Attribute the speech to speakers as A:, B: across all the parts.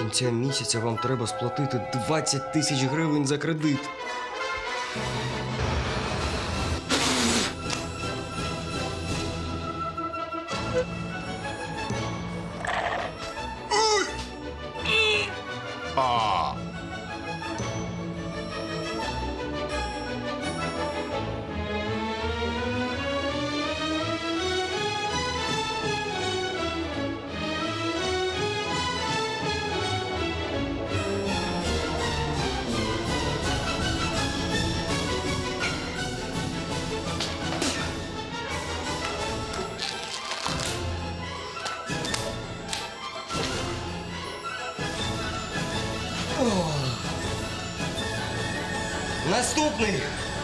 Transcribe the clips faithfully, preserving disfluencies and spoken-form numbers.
A: кінця місяця вам треба сплатити двадцять тисяч гривень за кредит.
B: А.
A: Наступний!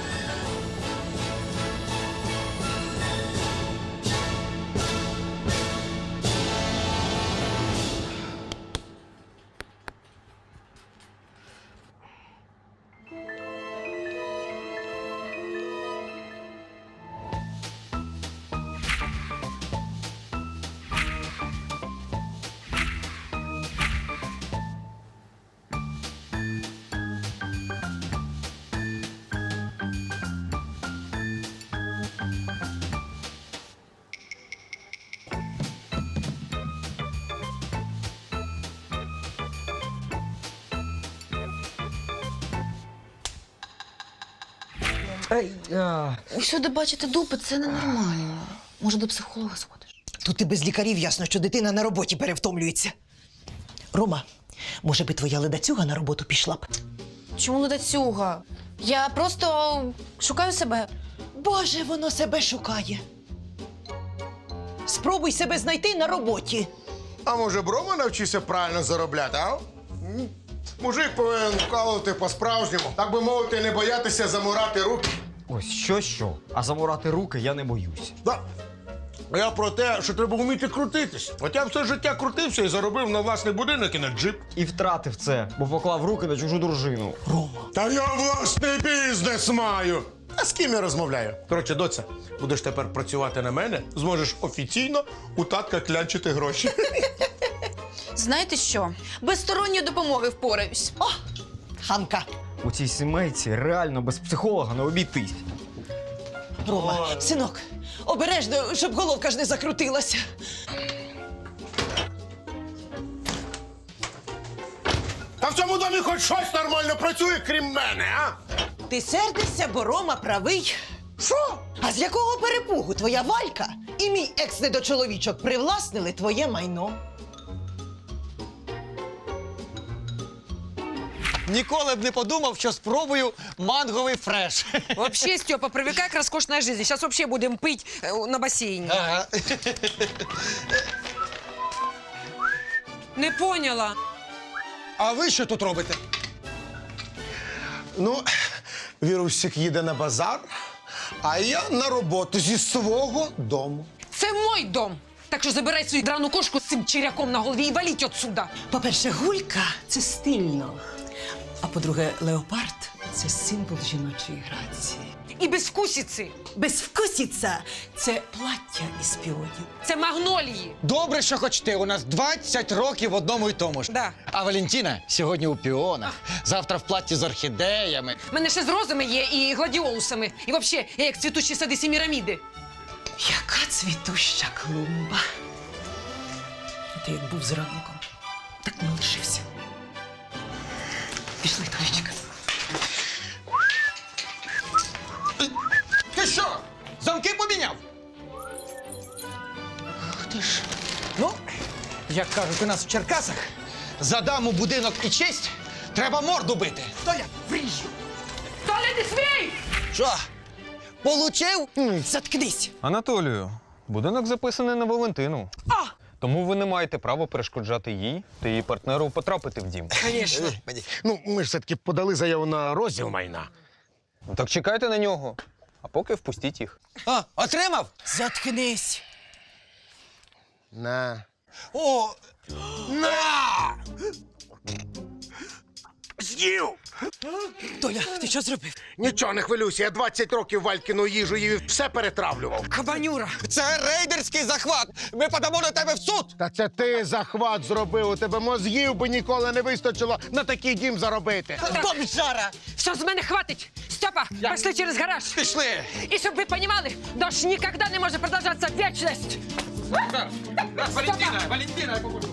C: Ай, а.
D: Усюди бачити дупи – це ненормально. Може, до психолога сходиш?
C: Тут і без лікарів ясно, що дитина на роботі перевтомлюється. Рома, може би твоя ледацюга на роботу пішла б?
D: Чому ледацюга? Я просто шукаю себе.
C: Боже, воно себе шукає. Спробуй себе знайти на роботі.
B: А може, Брома навчився правильно заробляти, а? М? Мужик повинен вкалувати по-справжньому. Так би мовити, не боятися замурати руки.
A: Ось що-що, а замурати руки я не боюсь.
B: Да. Я про те, що треба вміти крутитись. От я все життя крутився і заробив на власний будинок і на джип.
A: І втратив це, бо поклав руки на чужу дружину.
C: Рома.
B: Та я власний бізнес маю. А з ким я розмовляю? Коротше, доця, будеш тепер працювати на мене, зможеш офіційно у татка клянчити гроші.
D: Знаєте що? Без сторонньої допомоги впораюсь.
C: О, Ханка.
A: У цій сімейці реально без психолога не обійтись.
C: Рома,
B: Ой.
C: синок, обережно, щоб головка ж не закрутилася.
B: Та в цьому домі хоч щось нормально працює, крім мене, а?
C: Ти сердишся, бо Рома правий.
B: Що?
C: А з якого перепугу твоя Валька і мій екс-недочоловічок привласнили твоє майно?
E: Ніколи б не подумав, що спробую манговий фреш.
F: Вообще, Степа, привыкай к роскошной жизни. Сейчас вообще будем пить э, на бассейне.
E: Ага.
F: Не поняла.
E: А ви що тут робите?
B: Ну, Вірусик їде на базар, а я на роботу зі свого дому.
F: Це мой дом. Так що забирай свою драну кошку з цим черяком на голові і валіть отсюда.
C: По-перше, гулька – це стильно. А по-друге, леопард – це символ жіночої грації.
F: І безвкусиці.
C: Безвкусіця – це плаття із піонів.
F: Це магнолії.
E: Добре, що хоч ти. У нас двадцять років в одному й тому ж.
F: Да.
E: А Валентина сьогодні у піонах, завтра в платі з орхідеями.
F: У мене ще з розами є і гладіолусами. І взагалі, я як цвітучі сади Семіраміди.
C: Яка цвітуща клумба. Ти як був зранком, так не лишився. Пішли, Толічка.
E: Ти що? Замки поміняв? Ах ти ж. Ну, як кажуть у нас в Черкасах, за даму, будинок і честь треба морду бити. Толя, вріжу.
F: Толя, не смій!
E: Що? Получив?
C: Заткнись.
G: Анатолію, будинок записаний на Валентину.
F: А!
G: Тому ви не маєте права перешкоджати їй та її партнеру потрапити в дім.
F: Конечно.
B: Ну, ми ж все-таки подали заяву на розділ майна.
G: Ну, так чекайте на нього, а поки впустіть їх.
E: А, отримав?
C: Заткнись.
B: На.
E: О,
B: На! з'їв!
C: Толя, ти що зробив?
B: Нічого не хвилюйся, я двадцять років Валькіну їжу їв і все перетравлював.
F: Кабанюра!
E: Це рейдерський захват! Ми подамо на тебе в суд!
B: Та це ти захват зробив, у тебе мозгів би ніколи не вистачило на такий дім заробити.
C: Бомжара!
F: Все, з мене хватить! Степа, пошли через гараж!
E: Пішли!
F: І щоб ви понімали, дощ ніколи не може продовжатися вічність!
E: Валентина, Валентина, я поможу.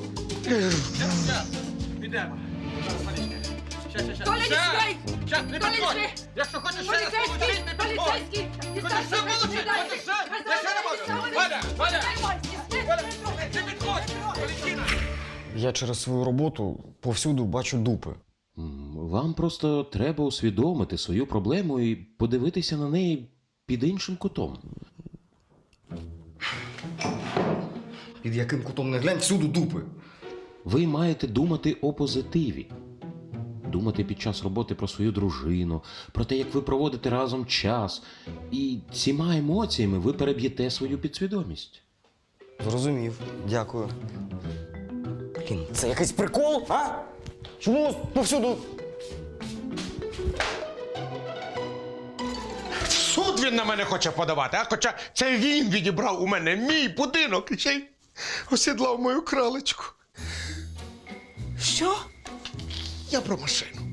E: Підемо.
F: Толя, не строй!
E: Щас, не
F: Толя,
E: підходь!
F: не
E: Якщо хочеш ще раз
F: Поліцейський!
E: получить, не підходь!
F: Поліцейський!
E: Хочеш ще получить? Хочеш ще? Я ще не можу! Валя, Валя! Валя, не підходь! Валентина!
A: Я через свою роботу повсюду бачу дупи.
H: М, Вам просто треба усвідомити свою проблему і подивитися на неї під іншим кутом.
A: Під яким кутом не глянь, всюди дупи.
H: Ви маєте думати о позитиві. Думати під час роботи про свою дружину, про те, як ви проводите разом час. І цими емоціями ви переб'єте свою підсвідомість.
A: Зрозумів. Дякую. Блін, це якийсь прикол, а? Чому повсюду?
B: В суд він на мене хоче подавати, а хоча це він відібрав у мене мій будинок і ще й осідлав мою кралечку.
C: Що?
B: Я про машину.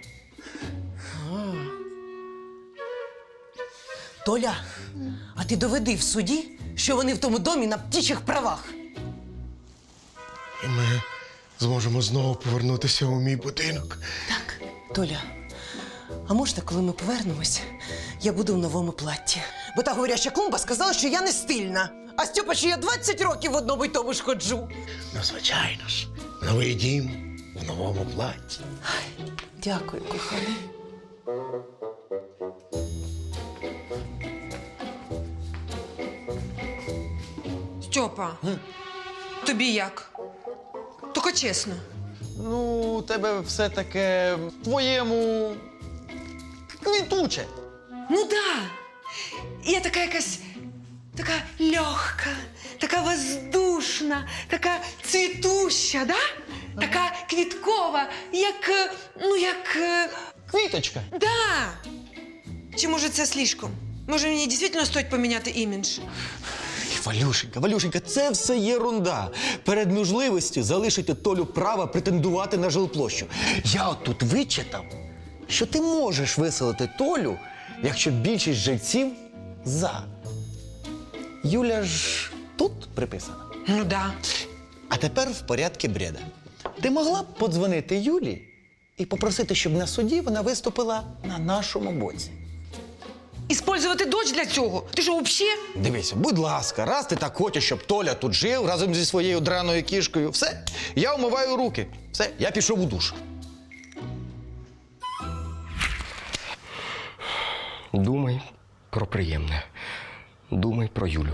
C: Толя, а ти доведи в суді, що вони в тому домі на птічих правах.
B: І ми зможемо знову повернутися у мій будинок.
C: Так, Толя, а можна, коли ми повернемось, я буду в новому платті? Бо та говоряща клумба сказала, що я не стильна. А Стьопа, що я двадцять років в одному й тому ж ходжу.
B: Ну, звичайно ж, новий дім в новому платі.
C: Дякую, коханий.
F: Степа, тобі як? Тільки чесно.
E: Ну, у тебе все таке твоєму квітуче.
F: Ну да. Я така якась така легка, така воздушна, така цвітуща, да? Така квіткова, як, е, ну як, е,
E: Квіточка.
F: да. Чи може це слишком? Може мені дійсно стоїть поміняти імідж?
I: Валюшенька, Валюшенька, це все єрунда. Перед можливістю залишити Толю права претендувати на жилплощу. Я от тут вичитав, що ти можеш виселити Толю, якщо більшість жильців за. Юля ж тут приписана.
F: Ну да.
I: А тепер в порядку бреда. Ти могла б подзвонити Юлі і попросити, щоб на суді вона виступила на нашому боці.
F: Іспользувати дочь для цього? Ти що, взагалі?
I: Дивися, будь ласка, раз ти так хочеш, щоб Толя тут жив разом зі своєю драною кішкою, все, я вмиваю руки. Все, я пішов у душ.
A: Думай про приємне. Думай про Юлю.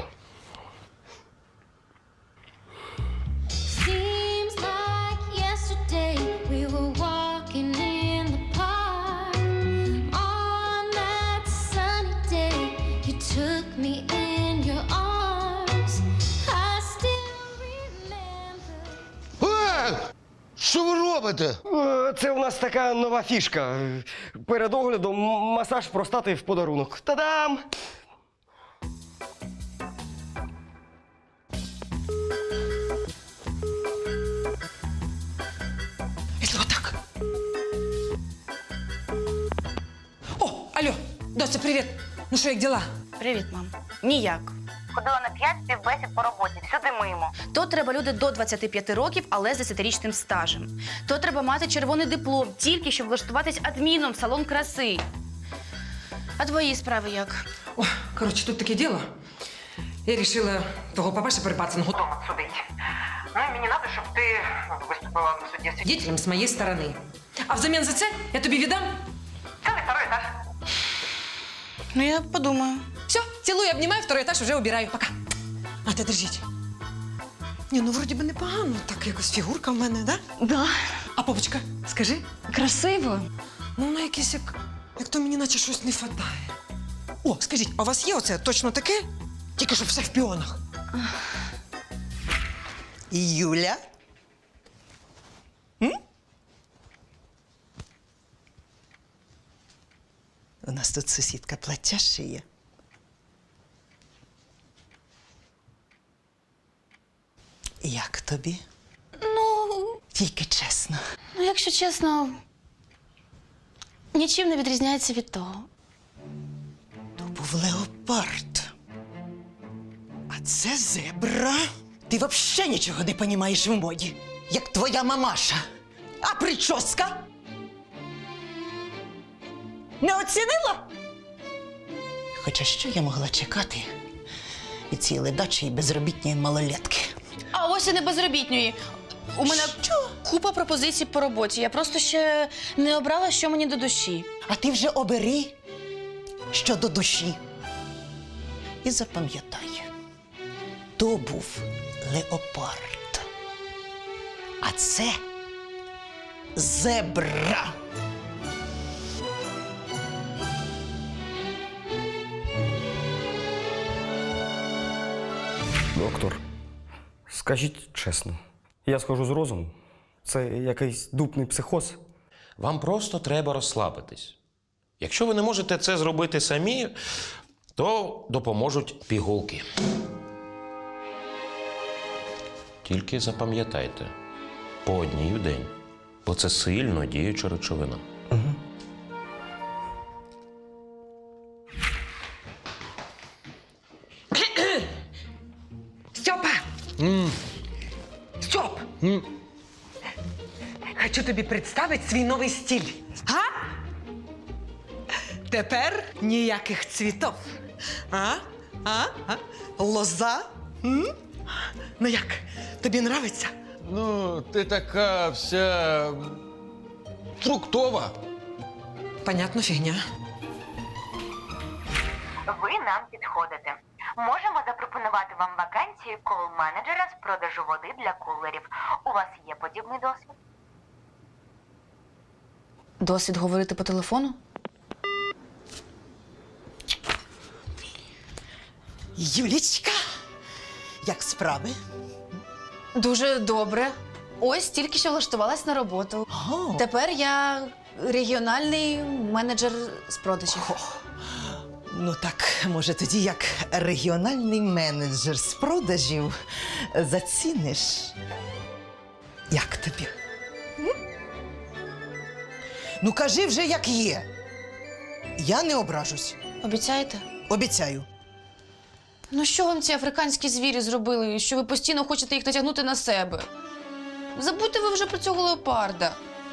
J: Seems like yesterday we were walking in the park. On that sunny day, you took me in your arms. I still remember.
B: Е! Що ви робите?
K: Це у нас така нова фішка. Перед оглядом м- масаж простати в подарунок. Та-дам!
F: Якщо отак. О, алло, доця, привіт. Ну що, як діла?
D: Привіт, мам. Ніяк.
L: Ходила на п'ять співбесід по роботі, всюди мимо.
D: То треба люди до двадцяти п'яти років, але з десятирічним стажем. То треба мати червоний диплом, тільки щоб влаштуватись адміном в салон краси. А твої справи як?
F: О, коротше, тут таке діло. Я вирішила того папаша перепацаного
L: Дома судить. Ну і мені треба, щоб ти виступила на суді.
F: свидетелем з моєї сторони. А взамін за це я тобі віддам.
L: Це не второй етаж.
D: Ну, я подумаю.
F: Все, цілую, обнімаю, второй етаж вже убираю. Пока. А ти держіть. Ні, ну вроді би непогано. Так якось фігурка в мене, да?
D: Да.
F: А попочка, скажи.
D: Красиво.
F: Ну, вона якесь як, як то мені наче щось не хватає. О, скажіть, а у вас є оце точно таке? Тільки щоб все в піонах.
C: Юля? У нас тут сусідка плаття шиє. Як тобі?
D: Ну,
C: Тільки чесно.
D: ну, якщо чесно, нічим не відрізняється від того.
C: То був леопард. А це зебра. Ти взагалі нічого не розумієш в моді, як твоя мамаша. А прическа? Не оцінила? Хоча що я могла чекати від цієї ледачої безробітної малолетки?
D: А ось і не безробітньої. У мене купа пропозицій по роботі. Я просто ще не обрала, що мені до душі.
C: А ти вже обери, що до душі. І запам'ятай, то був леопард. А це зебра.
K: Доктор, скажіть чесно, я схожу з розуму? Це якийсь дупний психоз?
M: Вам просто треба розслабитись. Якщо ви не можете це зробити самі, то допоможуть пігулки. Тільки запам'ятайте, по одній в день, бо це сильно діюча речовина.
F: Стьопа! Стьоп! Хочу тобі представити свій новий стиль. А? Тепер ніяких цвітів. А? А? А? Лоза? М? Ну як? Тобі нравиться?
E: Ну, ти така вся фруктова.
F: Понятно, фігня.
N: Ви нам підходите. Можемо запропонувати вам вакансію кол-менеджера з продажу води для кулерів. У вас є подібний досвід?
D: Досвід говорити по телефону?
C: Юлічка, як справи?
D: Дуже добре. Ось тільки що влаштувалась на роботу.
C: О.
D: Тепер я регіональний менеджер з продажів.
C: Ну так, може, тоді як регіональний менеджер з продажів заціниш. Як тобі? М? Ну, кажи вже, як є. Я не ображусь.
D: Обіцяєте?
C: Обіцяю.
D: Ну що вам ці африканські звірі зробили, що ви постійно хочете їх натягнути на себе? Забудьте ви вже про цього леопарда.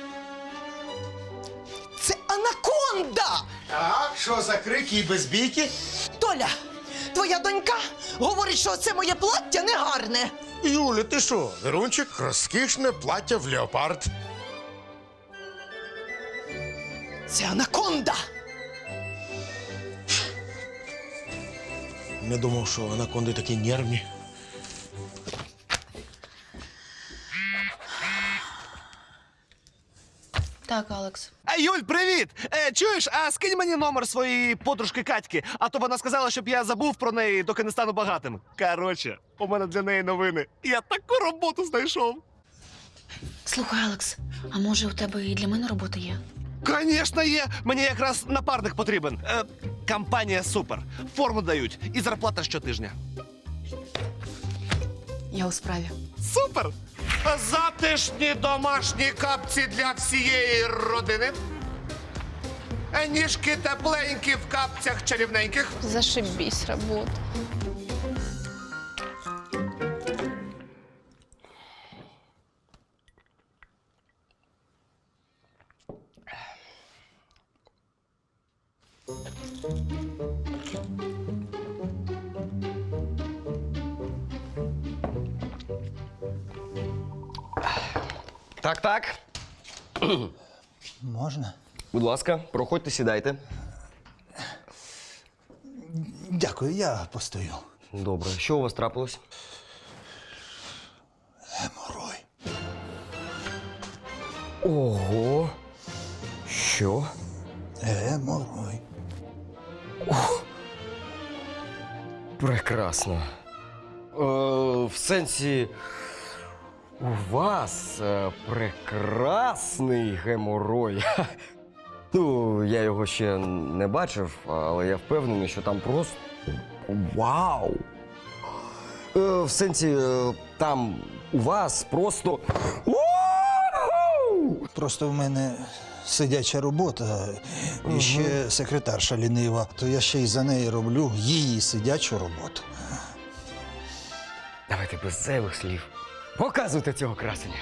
C: Це анаконда!
B: Так, що за крики і безбійки?
C: Толя, твоя донька говорить, що це моє плаття негарне.
B: Юля, ти що? Верунчик, розкішне плаття в леопард.
C: Це анаконда!
B: Не думав, що анаконди такі нервні.
D: Так, Алекс.
K: А, Юль, привіт! Е, чуєш, а скинь мені номер своєї подружки Катьки, а то вона сказала, щоб я забув про неї, доки не стану багатим. Коротше, у мене для неї новини. Я таку роботу знайшов.
D: Слухай, Алекс, а може у тебе і для мене робота є?
K: Звісно, є. Мені якраз напарник потрібен. Е, компанія супер. Форму дають і зарплата щотижня.
D: Я у справі.
K: Супер!
B: Затишні домашні капці для всієї родини. Ніжки тепленькі в капцях чарівненьких.
D: Зашибісь робота.
K: Так, так.
I: Можна?
K: Будь ласка, проходьте, сідайте.
I: Дякую, я постою.
K: Добре, що у вас трапилось?
I: Геморой.
K: Ого. Що?
I: Геморой.
K: Прекрасно. Е, в сенсі, у вас е, прекрасний геморой.
A: Ну, я його ще не бачив, але я впевнений, що там просто вау! Е, в сенсі, е, там у вас просто.
O: Просто в мене сидяча робота і ще секретарша лінива, то я ще й за неї роблю її сидячу роботу.
A: Давайте без зайвих слів. Показуйте цього красення.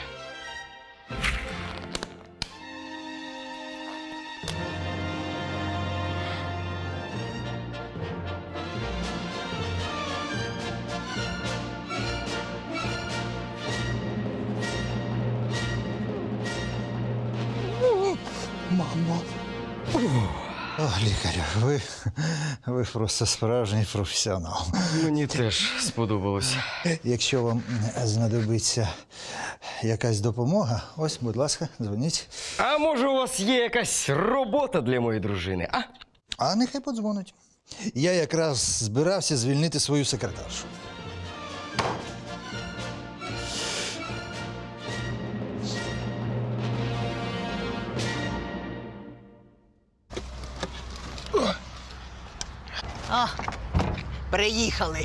O: Мамо. О, лікарю, ви, ви просто справжній професіонал.
A: Мені теж сподобалось.
O: Якщо вам знадобиться якась допомога, ось, будь ласка, дзвоніть.
A: А може, у вас є якась робота для моєї дружини, а?
O: А нехай подзвонить. Я якраз збирався звільнити свою секретаршу.
C: А, приїхали.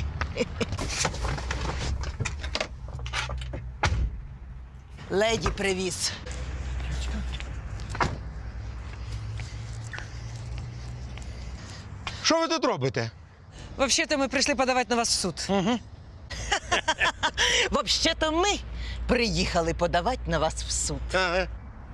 C: Леді привіз.
B: Що ви тут робите?
F: Взагалі-то ми прийшли подавати на вас в суд.
B: Угу.
C: Взагалі-то ми приїхали подавати на вас в суд.
B: Ага.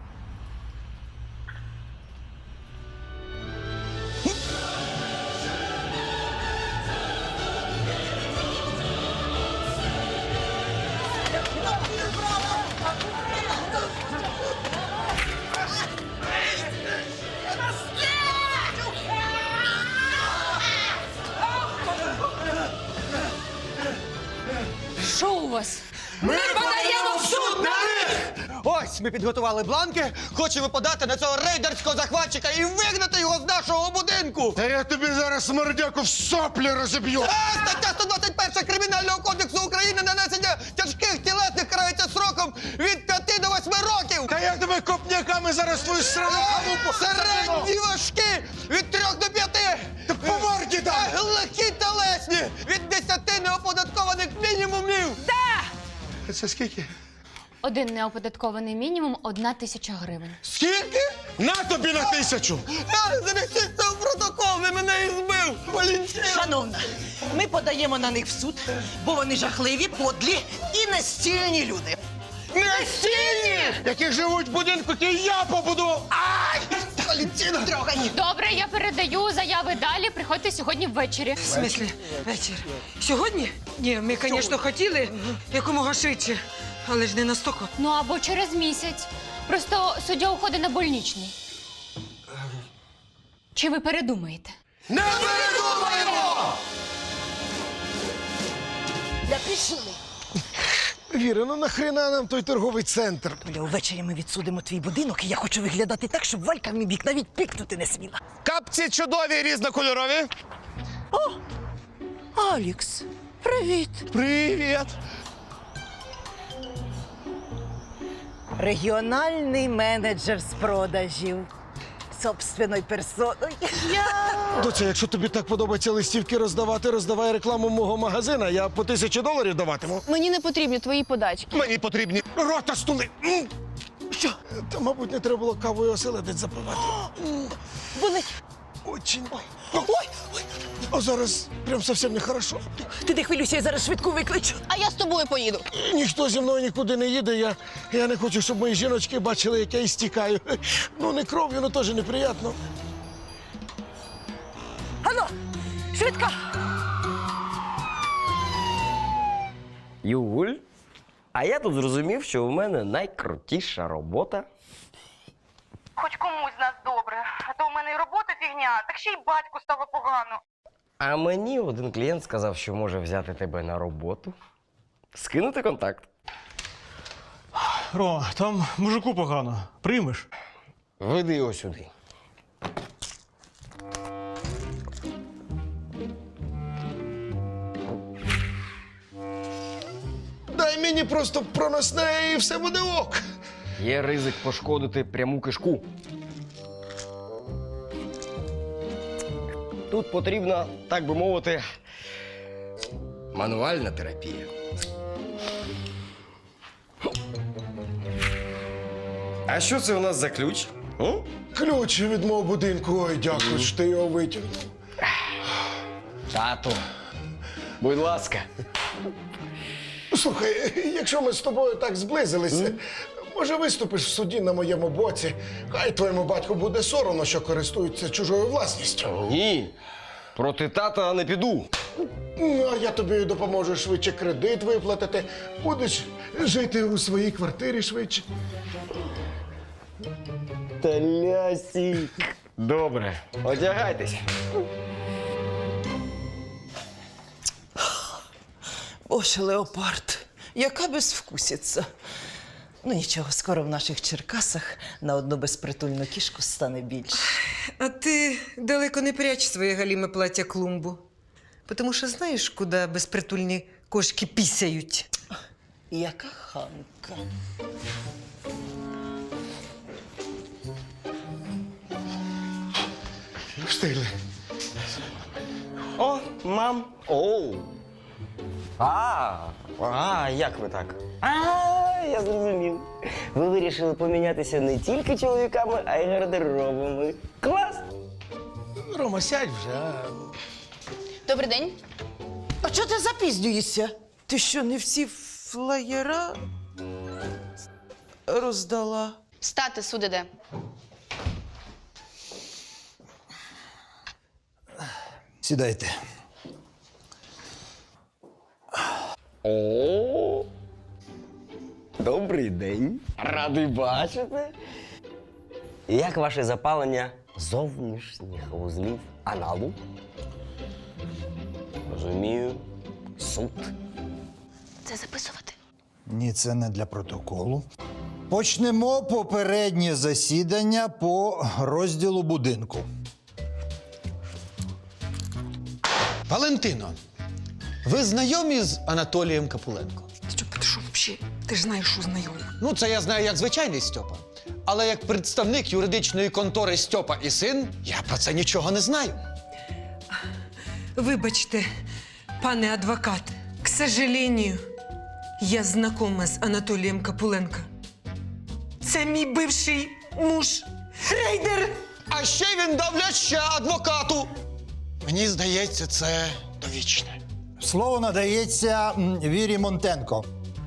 D: Що у вас?
E: Ми подаємо в суд на них! Ось ми підготували бланки, хочемо подати на цього рейдерського захватчика і вигнати його з нашого будинку!
B: Та я тобі зараз мордяку в соплі розіб'ю!
E: А, стаття сто двадцять перша Кримінального кодексу України нанесення тяжких тілесних карається сроком від п'яти до восьми років!
B: Та я тебе копняками зараз твою срану халупу!
E: Середні важкі від трьох до п'яти!
B: Та по морді дай!
E: А легкі телесні від десяти неоподаткованих мінімумів!
B: Це скільки?
D: Один неоподаткований мінімум – одна тисяча гривень.
B: Скільки? На тобі на тисячу!
E: А, занесіть це в протокол, ви мене і збив! Валентина!
C: Шановна, ми подаємо на них в суд, бо вони жахливі, подлі і нестільні люди.
B: Нестільні! Які живуть в будинку, які я побудував! Ай!
C: Валентина, трогай!
D: Добре, я передаю заяви далі. Приходьте сьогодні ввечері.
F: В смислі, вечір. Сьогодні? Ні, ми, звісно, хотіли якомога швидше, але ж не настільки.
D: Ну або через місяць. Просто суддя уходить на больничний. Чи ви передумаєте?
B: Не передумаємо!
C: Да пішли.
B: Віра, ну нахрена нам той торговий центр?
C: Бля, увечері ми відсудимо твій будинок, і я хочу виглядати так, щоб Валька в мій бік навіть пікнути не сміла.
K: Капці чудові, різнокольорові.
C: О! Алікс, привіт!
K: Привіт!
C: Регіональний менеджер з продажів. Собственною персоною. Я...
B: Доця, якщо тобі так подобається листівки роздавати, роздавай рекламу мого магазина, я по тисячі доларів даватиму.
D: Мені не потрібні твої подачки.
B: Мені потрібні рота стули. М! Що? Та, мабуть, не треба було кавою оселедець запивати.
C: Болить.
B: Очень. Ой, ой. А зараз прям зовсім нехорошо.
C: Ти не хвилюйся, я зараз швидку викличу.
D: А я з тобою поїду.
B: Ніхто зі мною нікуди не їде. Я, я не хочу, щоб мої жіночки бачили, як я істікаю. Ну, не кров'ю, ну теж неприємно.
C: Ану, швидко!
A: Юль, а я тут зрозумів, що у мене найкрутіша робота.
N: Хоч комусь з нас добре, а то у мене і робота фігня, так ще й батьку стало погано.
A: А мені один клієнт сказав, що може взяти тебе на роботу. Скинути контакт.
E: Рома, там мужику погано. Приймеш?
A: Веди його сюди.
B: Дай мені просто проносне і все буде ок.
A: Є ризик пошкодити пряму кишку. тут потрібна, так би мовити, мануальна терапія. А що це у нас за ключ? М?
B: Ключ від мого будинку. Ой, дякую, що ти його витягнув.
A: Тату, будь ласка.
B: Слухай, якщо ми з тобою так зблизилися, може виступиш в суді на моєму боці? Хай твоєму батьку буде соромно, що користується чужою власністю.
A: Ні, проти тата не піду.
B: Ну, а я тобі допоможу швидше кредит виплатити. Будеш жити у своїй квартирі швидше.
A: Талясік. Добре, одягайтесь.
C: Боже, леопард, яка безвкусиця. Ну нічого, скоро в наших Черкасах на одну безпритульну кішку стане більше.
F: А ти далеко не прячь своє галіме плаття клумбу. Тому що знаєш, куди безпритульні кошки пісяють?
C: Яка хамка.
B: Встигли.
A: О, мам. Оу. А, а, як ви так? А, я зрозумів. Ви вирішили помінятися не тільки чоловіками, а й гардеробами. Клас!
B: Рома, сядь вже, а?
D: Добрий день.
C: А чого ти запізнюєшся? Ти що, не всі флаєра роздала?
D: Стати, суд іде.
O: Сідайте.
A: О, добрий день. Радий бачити. Як ваше запалення зовнішніх вузлів аналу? Розумію. Суд.
D: Це записувати.
O: Ні, це не для протоколу. Почнемо попереднє засідання по розділу будинку.
E: Валентино, ви знайомі з Анатолієм Капуленко?
F: Стьопа, ти що взагалі? Ти ж знаєш, що знайомі.
E: Ну, це я знаю як звичайний Стьопа. Але як представник юридичної контори Стьопа і син, я про це нічого не знаю.
F: Вибачте, пане адвокат, к сожалению, я знакома з Анатолієм Капуленко. Це мій бивший муж. Рейдер!
E: А ще він дав ляща адвокату. Мені здається, це довічне.
O: Слово надається м, Вірі Монтенко.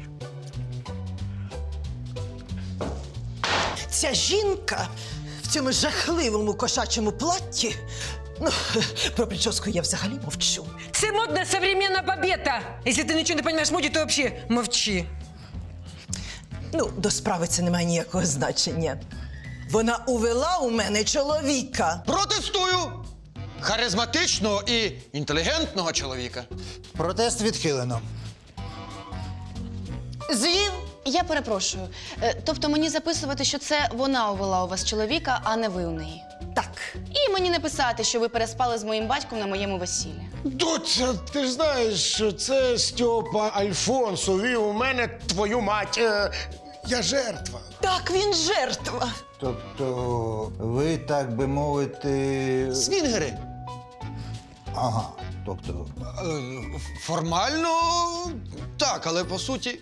C: Ця жінка в цьому жахливому кошачому платті. Ну, про прическу я взагалі мовчу.
F: Це модна современна бабета. Якщо ти нічого не розумієш в моді, то взагалі мовчи.
C: Ну, до справи це не має ніякого значення. Вона увела у мене чоловіка.
E: Протестую! Харизматичного і інтелігентного чоловіка.
O: Протест відхилено.
C: Звів.
D: Я перепрошую. Е, Тобто мені записувати, що це вона увела у вас чоловіка, а не ви у неї.
C: Так.
D: І мені не писати, що ви переспали з моїм батьком на моєму весіллі.
B: Доця, ти ж знаєш, що це Стьопа Альфонс увів у мене твою мать. Е, я жертва.
C: Так, він жертва.
O: Тобто, ви, так би мовити.
E: Свінгери.
O: Ага. Тобто.
E: Е, Формально так, але по суті.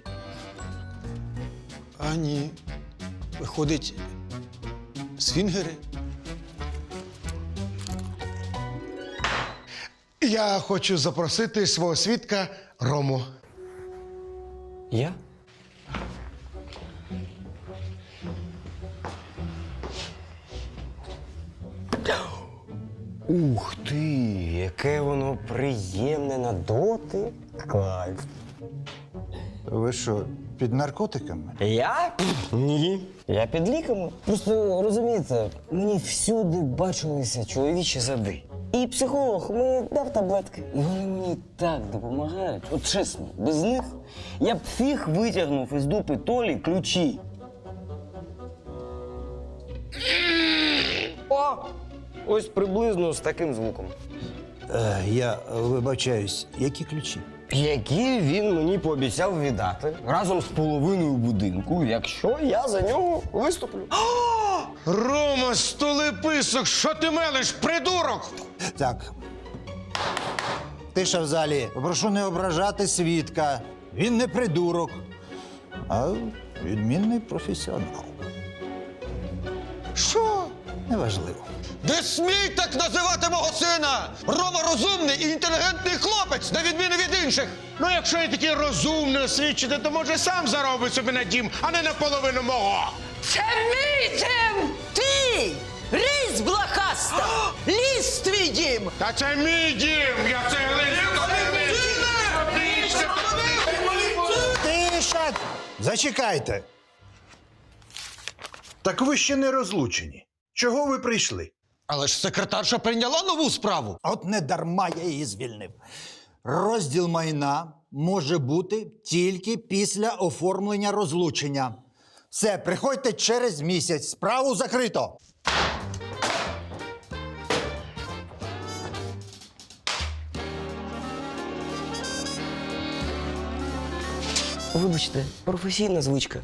E: А ні. Виходить, свінгери.
B: Я хочу запросити свого свідка Рому.
A: Я? Ух ти, яке воно приємне на доти. Кайф.
O: Ви що, під наркотиками?
A: Я? Ні. Я під ліками. Просто розумієте, мені всюди бачилися чоловічі зади. І психолог мені дав таблетки. І вони мені так допомагають. От чесно, без них я б фіг витягнув із дупи Толі ключі. О! Ось приблизно з таким звуком.
O: Е, я вибачаюсь, які ключі?
A: Які він мені пообіцяв віддати разом з половиною будинку, якщо я за нього виступлю.
B: Рома, столеписок, що ти мелиш, придурок?
O: Так, Тиша в залі. Попрошу не ображати свідка. Він не придурок, а відмінний професіонал.
E: Що?
O: Неважливо.
E: Не смій так називати мого сина! Рома розумний і інтелігентний хлопець, на відміну від інших.
B: Ну, якщо я такий розумний освічений, то може сам заробить собі на дім, а не наполовину мого.
C: Це мій дім! Ти! Різь блохаста! Ліз твій дім!
B: Та це мій дім! Я це
O: Тиша! Зачекайте. Так ви ще не розлучені. Чого ви прийшли?
E: Але ж секретарша прийняла нову справу.
O: От не дарма я її звільнив. Розділ майна може бути тільки після оформлення розлучення. Все, приходьте через місяць. Справу закрито.
A: Вибачте, професійна звичка.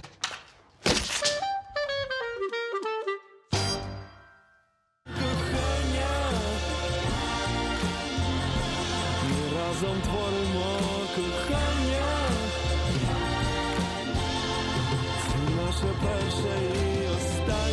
P: Разом творимо кохання. Це наше перше і останнє.